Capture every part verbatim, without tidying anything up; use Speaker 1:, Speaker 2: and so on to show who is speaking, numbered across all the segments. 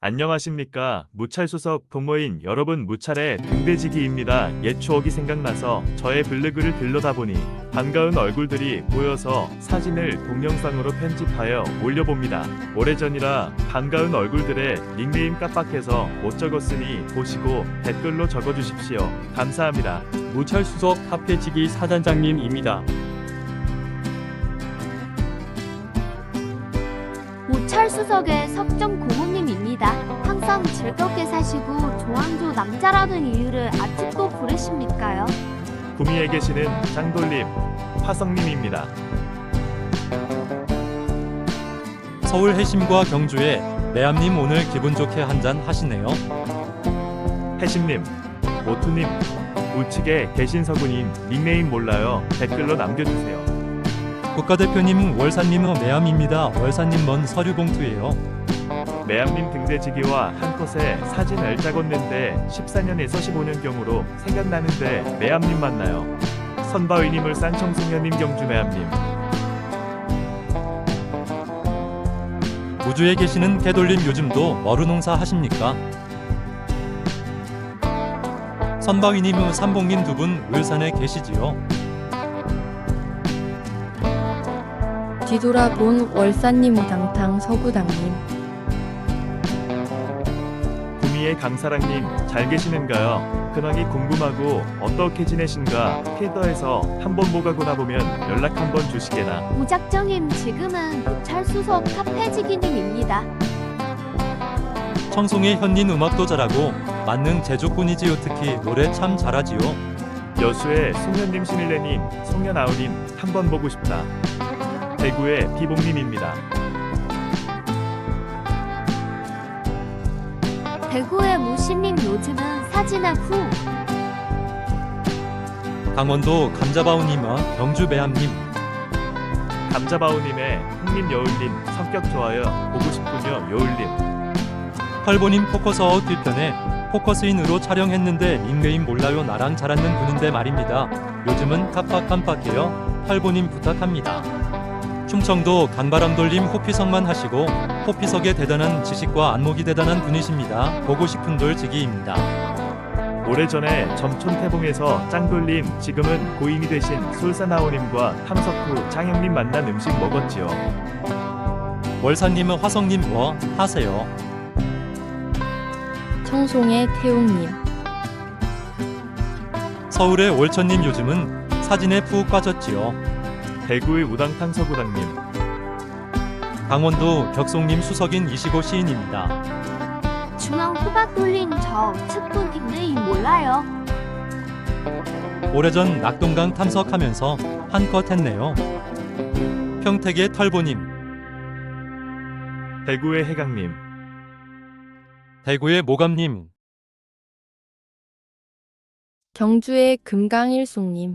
Speaker 1: 안녕하십니까. 무찰수석 동호인 여러분, 무찰의 등대지기입니다. 옛 추억이 생각나서 저의 블로그를 들러다 보니 반가운 얼굴들이 보여서 사진을 동영상으로 편집하여 올려봅니다. 오래전이라 반가운 얼굴들의 닉네임 깜빡해서 못 적었으니 보시고 댓글로 적어주십시오. 감사합니다.
Speaker 2: 무찰수석 카페지기 사단장님입니다.
Speaker 3: 무찰수석의 석정 고모님입니다. 항상 즐겁게 사시고 조항조 남자라는 이유를 아직도 부르십니까요?
Speaker 1: 구미에 계시는 짱돌림, 화성님입니다.
Speaker 4: 서울 해심과 경주에 매암님 오늘 기분 좋게 한잔 하시네요.
Speaker 1: 해심님, 모투님, 우측에 계신 서구님 닉네임 몰라요. 댓글로 남겨주세요.
Speaker 4: 국가대표님 월사님 매암입니다. 월사님 먼 서류봉투예요.
Speaker 1: 매암님 등대지기와 한 컷에 사진을 찍었는데 십사 년에서 십오 년경으로 생각나는데 매암님 맞나요? 선바위님을 싼 청소년님 경주 매암님.
Speaker 4: 우주에 계시는 개돌림 요즘도 머루농사 하십니까? 선바위님 삼봉님 두 분 울산에 계시지요?
Speaker 5: 뒤돌아본 월사님 우당탕 서구당님.
Speaker 1: 구미의 강사랑님 잘 계시는가요? 근황이 궁금하고 어떻게 지내신가? 필더에서 한번 보가구나 보면 연락 한번 주시게나.
Speaker 3: 무작정임 지금은 무찰수석 카페지기님입니다.
Speaker 4: 청송의 현닌 음악도 잘하고 만능 제조꾼이지요. 특히 노래 참 잘하지요.
Speaker 1: 여수의 송현님 신일래님 송현아우님 한번 보고 싶다. 대구의 비봉님입니다.
Speaker 3: 대구의 무신님 요즘은 사진을 후.
Speaker 4: 강원도 감자바우님과 경주 매암님.
Speaker 1: 감자바우님의 흥님 여울님 성격 좋아요. 보고 싶군요. 여울님.
Speaker 4: 펄보님 포커스아웃 뒤편에 포커스인으로 촬영했는데 닉네임 몰라요. 나랑 잘 맞는 분인데 말입니다. 요즘은 깜빡깜빡해요. 펄보님 부탁합니다. 충청도 간바람돌림 호피석만 하시고 호피석의 대단한 지식과 안목이 대단한 분이십니다. 보고 싶은 돌지기입니다.
Speaker 1: 오래전에 점촌태봉에서 짱돌님 지금은 고인이 되신 솔사나오님과 탐석 후 장영님 만난 음식 먹었지요.
Speaker 4: 월사님은 화성님 뭐 하세요?
Speaker 5: 청송의 태웅님.
Speaker 4: 서울의 월천님 요즘은 사진에 푹 빠졌지요.
Speaker 1: 대구의 우당탕 서구당님.
Speaker 4: 강원도 격송님 수석인 이시고 시인입니다.
Speaker 3: 중앙 호박 돌린 저 측분 닉네임 몰라요.
Speaker 4: 오래전 낙동강 탐석하면서 한껏 했네요. 평택의 털보님.
Speaker 1: 대구의 해강님.
Speaker 4: 대구의 모감님.
Speaker 5: 경주의 금강일송님.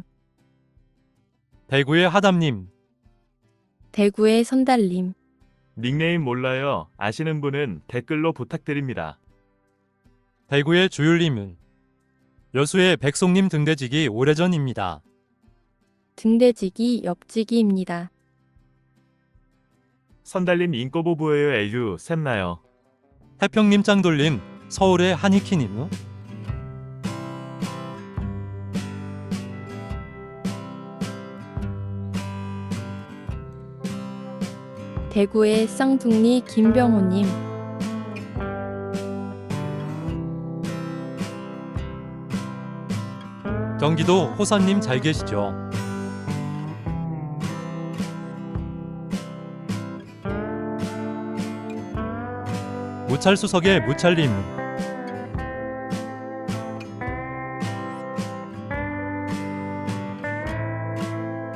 Speaker 4: 대구의 하담님.
Speaker 5: 대구의 선달님.
Speaker 1: 닉네임 몰라요. 아시는 분은 댓글로 부탁드립니다.
Speaker 4: 대구의 주율님은. 여수의 백송님 등대지기 오래전입니다.
Speaker 5: 등대지기 옆지기입니다.
Speaker 1: 선달님 인꼬보 보여요. 에휴 샘나요.
Speaker 4: 태평님 짱돌림. 서울의 한이키님.
Speaker 5: 대구의 쌍둥이 김병호님.
Speaker 4: 경기도 호선님 잘 계시죠? 무찰수석의 무찰님.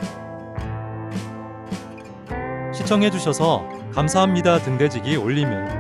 Speaker 4: 시청해주셔서 감사합니다. 등대지기 올리면